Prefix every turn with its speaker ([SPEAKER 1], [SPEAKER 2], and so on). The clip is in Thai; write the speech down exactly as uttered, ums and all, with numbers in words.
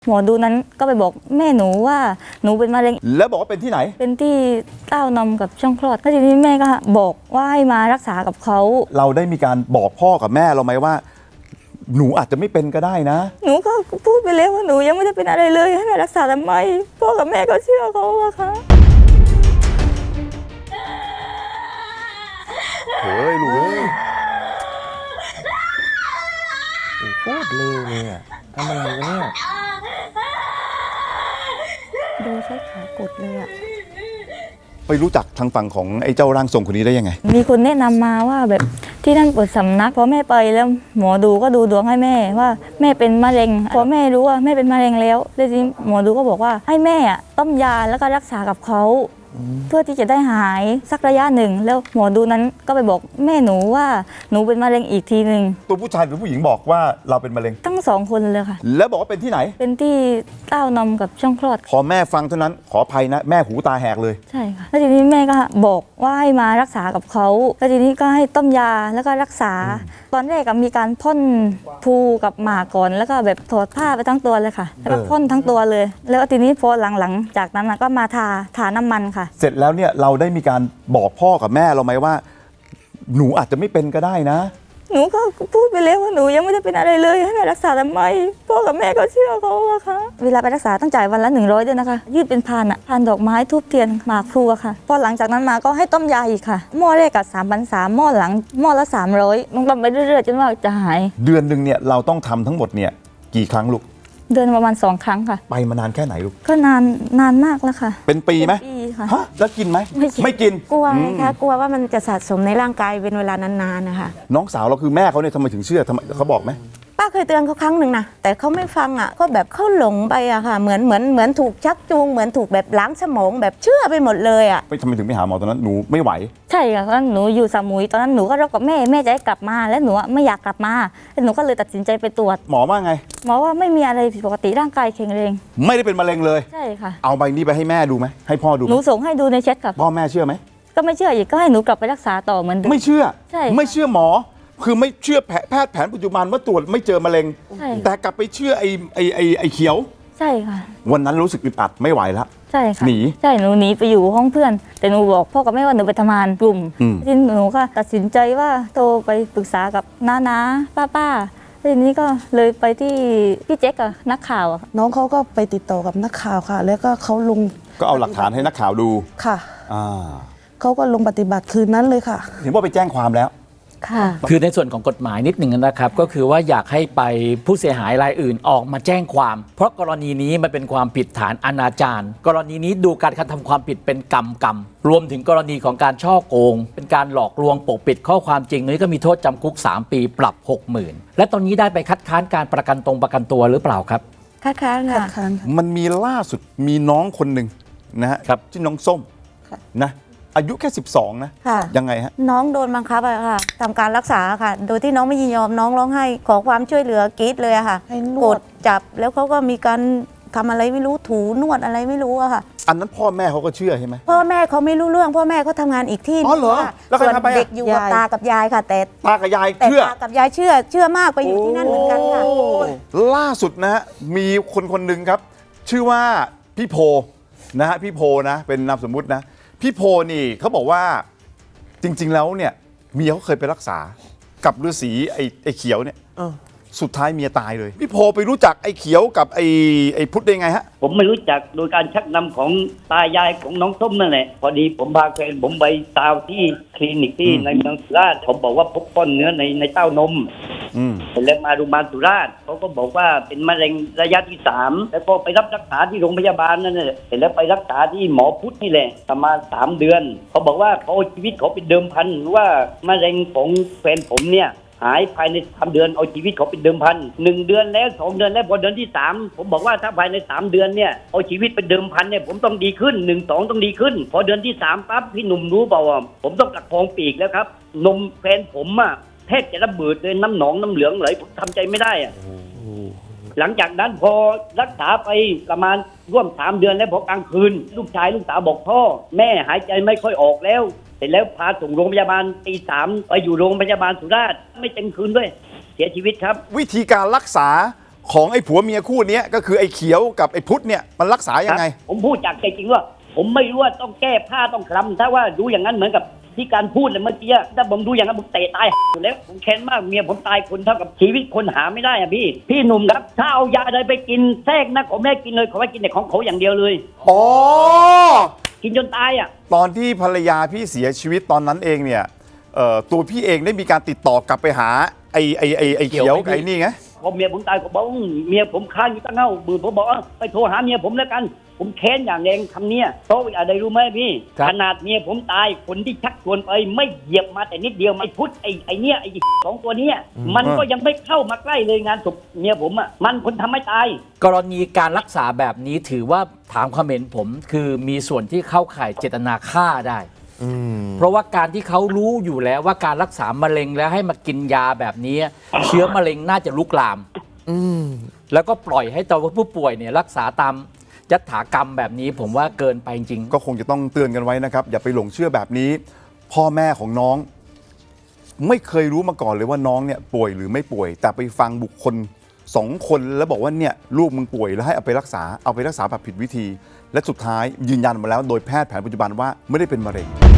[SPEAKER 1] หมอดูนั้นก็ไปบอกแม่หนูว่าหนูเป็นมะเร็ง
[SPEAKER 2] แล้วบอกว่าเป็นที่ไหน
[SPEAKER 1] เป็นที่เต้านมกับช่องคลอดแล้วทีนี้แม่ก็บอกว่าให้มารักษากับเขา
[SPEAKER 2] เราได้มีการบอกพ่อกับแม่เราไหมว่าหนูอาจจะไม่เป็นก็ได้นะ
[SPEAKER 1] หนูก็พูดไปแล้วว่าหนูยังไม่ได้เป็นอะไรเลยให้แม่รักษาทำไมพ่อกับแม่ก็เชื่อเขาอะค่ะ
[SPEAKER 2] เฮ้ยลูกเอ้ย
[SPEAKER 3] โคตรเลวเลยอ่ะทำอะไรกันเนี่ย
[SPEAKER 1] ดูใช้ขากดเลยอะ
[SPEAKER 2] ไปรู้จักทางฝั่งของไอ้เจ้าร่างทรงคนนี้ได้ยังไง
[SPEAKER 1] มีคนแนะนำมาว่าแบบที่นั่นเปิดสำนักพอแม่ไปแล้วหมอดูก็ดูดวงให้แม่ว่าแม่เป็นมะเร็งพอแม่รู้ว่าแม่เป็นมะเร็งแล้วแล้วทีนี้หมอดูก็บอกว่าให้แม่ต้มยาแล้วก็รักษากับเขาเพื่อที่จะได้หายสักระยะหนึ่งแล้วหมอดูนั้นก็ไปบอกแม่หนูว่าหนูเป็นมะเร็งอีกทีหนึ่ง
[SPEAKER 2] ตัวผู้ชายหรือผู้หญิงบอกว่าเราเป็นมะเร็ง
[SPEAKER 1] ทั้งสองคนเลยค่ะ
[SPEAKER 2] แล้วบอกว่าเป็นที่ไหน
[SPEAKER 1] เป็นที่เต้านมกับช่องคลอด
[SPEAKER 2] พอแม่ฟังเท่านั้นขออภัยนะแม่หูตาแหกเลย
[SPEAKER 1] ใช่ค่ะแล้วทีนี้แม่ก็บอกว่าให้มารักษากับเขาแล้วทีนี้ก็ให้ต้มยาแล้วก็รักษาตอนแรกมีการพ่นภูกับหมากก่อนแล้วก็แบบถอดผ้าไปทั้งตัวเลยค่ะแล้วก็พ่นทั้งตัวเลยแล้วทีนี้พอหลังๆจากนั้นก็มาทาทาน้ำมันค่ะ
[SPEAKER 2] เสร็จแล้วเนี่ยเราได้มีการบอกพ่อกับแม่เราไหมว่าหนูอาจจะไม่เป็นก็ได้นะ
[SPEAKER 1] หนูก็พูดไปแล้วว่าหนูยังไม่ได้เป็นอะไรเลยให้แม่รักษาทำไมพ่อกับแม่ก็เชื่อเขาอะค่ะเวลาไปรักษาต้องจ่ายวันละหนึ่งร้อยด้วยนะคะยืดเป็นพานอะพานดอกไม้ทูบเทียนหมากพลูอะค่ะพอหลังจากนั้นมาก็ให้ต้มยาอีกค่ะหม้อแรกกับสามพันสามหม้อหลังหม้อละสามร้อยต้องทำไปเรื่อยๆจนว่าจะหาย
[SPEAKER 2] เดือนหนึ่งเนี่ยเราต้องทำทั้งหมดเนี่ยกี่ครั้งลูก
[SPEAKER 1] เดือนประมาณสองครั้งค่ะ
[SPEAKER 2] ไปมานานแค่ไหนลูก
[SPEAKER 1] ก็นานนานมากแล้วค่ะ
[SPEAKER 2] เป็นปีไหม
[SPEAKER 1] ปีค่ะ
[SPEAKER 2] ฮะแล้วกินไหม
[SPEAKER 1] ไม่
[SPEAKER 2] ไม่กิน
[SPEAKER 4] กลัวไงคะกลัวว่ามันจะสะสมในร่างกายเป็นเวลานานๆนะคะ
[SPEAKER 2] น้องสาวเราคือแม่เขาเนี่ยทำไมถึงเชื่อทำไมเขาบอกไหม
[SPEAKER 4] ป้าเคยเตือนเขาครั้งหนึ่งนะแต่เขาไม่ฟังอ่ะก็แบบเขาหลงไปอะค่ะเหมือนเหมือนเหมือนถูกชักจูงเหมือนถูกแบบล้างสมองแบบเชื่อไปหมดเลยอ่ะ
[SPEAKER 2] ไปทำไมถึงไปหาหมอตอนนั้นหนูไม่ไหว
[SPEAKER 1] ใช่ค่ะตอนนั้นหนูอยู่สมุยตอนนั้นหนูก็รบกับแม่แม่จะให้กลับมาแล้วหนูไม่อยากกลับมาแล้วหนูก็เลยตัดสินใจไปตรวจ
[SPEAKER 2] หมอว่าไง
[SPEAKER 1] หมอว่าไม่มีอะไรผิดปกติร่างกายแข็งแรง
[SPEAKER 2] ไม่ได้เป็นมะเร็งเลย
[SPEAKER 1] ใช่ค่ะ
[SPEAKER 2] เอาใบนี้ไปให้แม่ดูไหมให้พ่อดู
[SPEAKER 1] หนูส่งให้ดูในแชทค่ะ
[SPEAKER 2] พ่อแม่เชื่อไหม
[SPEAKER 1] ก็ไม่เชื่ออีกก็ให้หนูกลับไปรักษาต่อเหมือนเดิม
[SPEAKER 2] ไม่เชื่อ
[SPEAKER 1] ใช่
[SPEAKER 2] ไม่เชื่อหมอคือไม่เชื่อแพทย์แผนปัจจุบันว่าตรวจไม่เจอมะเร็งแต่กลับไปเชื่อไอ้ไอ้ไอ้ไอ้เขียว
[SPEAKER 1] ใช่ค่ะ
[SPEAKER 2] วันนั้นรู้สึกอึดอัดไม่ไหวแล้ว
[SPEAKER 1] ใช่ค่ะ
[SPEAKER 2] หนี
[SPEAKER 1] ใช่หนูหนีไปอยู่ห้องเพื่อนแต่หนูบอกพ่อกับแม่ว่าหนูไปทำงานกลุ่มทีนี้หนูก็ตัดสินใจว่าโทรไปปรึกษากับน้าน้าป้าป้าทีนี้ก็เลยไปที่พี่แจ๊กอะนักข่าวอะ
[SPEAKER 5] น้องเขาก็ไปติดต่อกับนักข่าวค่ะแล้วก็เขาลง
[SPEAKER 2] ก็เอาหลักฐานให้นักข่าวดู
[SPEAKER 5] ค่ะ
[SPEAKER 2] อ่า
[SPEAKER 5] เขาก็ลงปฏิบัติคืนนั้นเลยค่ะ
[SPEAKER 2] เห็นว่าไปแจ้งความแล้ว
[SPEAKER 1] ค่ะ
[SPEAKER 3] คือในส่วนของกฎหมายนิดหนึ่งนะครับก็คือว่าอยากให้ไปผู้เสียหายรายอื่นออกมาแจ้งความเพราะกรณีนี้มันเป็นความผิดฐานอนาจารกรณีนี้ดูการกระทำความผิดเป็นกรรมกรรมรวมถึงกรณีของการช่อโกงเป็นการหลอกลวงปกปิดข้อความจริงนี้ก็มีโทษจำคุกสามปีปรับ หกหมื่น และตอนนี้ได้ไปคัดค้านการประกันตรงประกันตัวหรือเปล่าครับ
[SPEAKER 4] คัดค้านค่ะ
[SPEAKER 2] มันมีล่าสุดมีน้องคนหนึ่งนะฮะชื่อน้องส้มนะอายุแค่สิบสองนะยังไงฮะ
[SPEAKER 4] น้องโดนบังคับอะค่ะทำการรักษาค่ะโดยที่น้องไม่ยินยอมน้องร้องไห้ขอความช่วยเหลือกรี๊ดเลยอะค่ะกดจับแล้วเขาก็มีการทำอะไรไม่รู้ถูนวดอะไรไม่รู้อะค่ะ
[SPEAKER 2] อันนั้นพ่อแม่เขาก็เชื่อใช่ไหม
[SPEAKER 4] พ่อแม่เขาไม่รู้เรื่องพ่อแม่เขาทำงานอีกที่
[SPEAKER 2] อ๋อเหรอแล้วใครพาไป
[SPEAKER 4] เด็กอยู่กับตากับยายค่ะแต่
[SPEAKER 2] ตากับยาย
[SPEAKER 4] เชื่อตากับยายเชื่อเชื่อมากไปอยู่ที่นั่นเหมือนกันค่ะ
[SPEAKER 2] ล่าสุดนะฮะมีคนคนหนึ่งครับชื่อว่าพี่โพนะฮะพี่โพนะเป็นนามสมมุตินะพี่โพนี่เขาบอกว่าจริงๆแล้วเนี่ยเมียเขาเคยไปรักษากับฤาษีไอ้ไอ้เขียวเนี่ยสุดท้ายเมียตายเลยพี่โพไปรู้จักไอ้เขียวกับไอ้ไอ้พุทธได้ไงฮะ
[SPEAKER 6] ผมไม่รู้จักโดยการชักนำของตายายของน้องส้มนั่นแหละพอดีผมพาแฟนผมไปตาวที่คลินิกที่ในเมืองสุราษฎร์ผมบอกว่าพบก้อนเนื้อในในเต้านมเสร็จแล้วมาโรงพยาบาลสุราษฎร์เขาก็บอกว่าเป็นมะเร็งระยะที่สามแล้วก็ไปรับรักษาที่โรงพยาบาลนั่นแหละเสร็จแล้วไปรักษาที่หมอพุทธนี่แหละประมาณสามเดือนเขาบอกว่าเขาเอาชีวิตเขาเป็นเดิมพันว่ามะเร็งของแฟนผมเนี่ยหายภายในสามเดือนเอาชีวิตเขาเป็นเดิมพันหนึ่งเดือนแล้วสองเดือนแล้วพอเดือนที่สามผมบอกว่าถ้าภายในสามเดือนเนี่ยเอาชีวิตเป็นเดิมพันเนี่ยผมต้องดีขึ้นหนึ่งสองต้องดีขึ้นพอเดือนที่สามปั๊บพี่หนุ่มรู้เปล่าว่าผมต้องประคองปีกแล้วครับนมแฟนผมอะแทบจะระเบิดเลยน้ำหนองน้ำเหลืองไหลผมทำใจไม่ได้อะหลังจากนั้นพอรักษาไปประมาณร่วมสามเดือนแล้วพอกลางคืนลูกชายลูกสาวบอกพ่อแม่หายใจไม่ค่อยออกแล้วเสร็จแล้วพาส่งโรงพยาบาลตีสามไปอยู่โรงพยาบาลสุราษฎร์ไม่เต็มคืนด้วยเสียชีวิตครับ
[SPEAKER 2] วิธีการรักษาของไอ้ผัวเมียคู่เนี้ยก็คือไอ้เขียวกับไอ้พุทธเนี่ยมันรักษายังไง
[SPEAKER 6] ครับผมพูดจากใจจริงว่า ผมไม่รู้ว่าต้องแก้ผ้าต้องคลำถ้าว่าดูอย่างนั้นเหมือนกับที่การพูดเลยเมื่อกี้ถ้าผมดูอย่างนั้นผมเตะตายอยู่แล้วผมแค้นมากเมียผมตายคนเท่ากับชีวิตคนหาไม่ได้อะพี่พี่หนุ่มครับถ้าเอายาอะไรไปกินแทรกนะขอแม่กินเลยขอให้กินแต่ของเขาอย่างเดียวเลย
[SPEAKER 2] อ๋อ
[SPEAKER 6] กินจนตายอ่ะ
[SPEAKER 2] ตอนที่ภรรยาพี่เสียชีวิตตอนนั้นเองเนี่ยเอ่อตัวพี่เองได้มีการติดต่อกลับไปหาไอ้ไอ้ไอ้ไอ้เขียวกับไอ้นี่ไง
[SPEAKER 6] พอเมียผมตายผมบอกว่าเมียผมค้างอยู่ตั้งเง่าบืนผมบอกว่าไปโทรหาเมียผมแล้วกันผมแค้นอย่างแรงคำเนี้ยเพราะอะไรรู้ไหมพี่
[SPEAKER 3] ครับ
[SPEAKER 6] ขนาดเมียผมตายคนที่ชักชวนไปไม่เหยียบมาแต่นิดเดียวไม่พุทธไอ้ไอ้เนี้ยไอ้สองตัวเนี้ยมันก็ยังไม่เข้ามาใกล้เลยงานศพเมียผมอ่ะมันคนทำให้ตาย
[SPEAKER 3] กรณีการรักษาแบบนี้ถือว่าถามความเห็นผมคือมีส่วนที่เข้าข่ายเจตนาฆ่าได้ เพราะว่าการที่เขารู้อยู่แล้วว่าการรักษามะเร็งแล้วให้มากินยาแบบนี้ เชื้อมะเร็งน่าจะลุกลามแล้วก็ปล่อยให้ตัวผู้ป่วยเนี่ยรักษาตามยัตถากรรมแบบนี้ผมว่าเกินไปจริง
[SPEAKER 2] ก็คงจะต้องเตือนกันไว้นะครับ อย่าไปหลงเชื่อแบบนี้ พ่อแม่ของน้อง ไม่เคยรู้มาก่อนเลยว่าน้องเนี่ยป่วยหรือไม่ป่วย แต่ไปฟังบุคคลสองคนแล้วบอกว่าเนี่ยลูกมึงป่วยแล้วให้เอาไปรักษาเอาไปรักษาแบบผิดวิธี และสุดท้ายยืนยันมาแล้วโดยแพทย์แผนปัจจุบันว่าไม่ได้เป็นมะเร็ง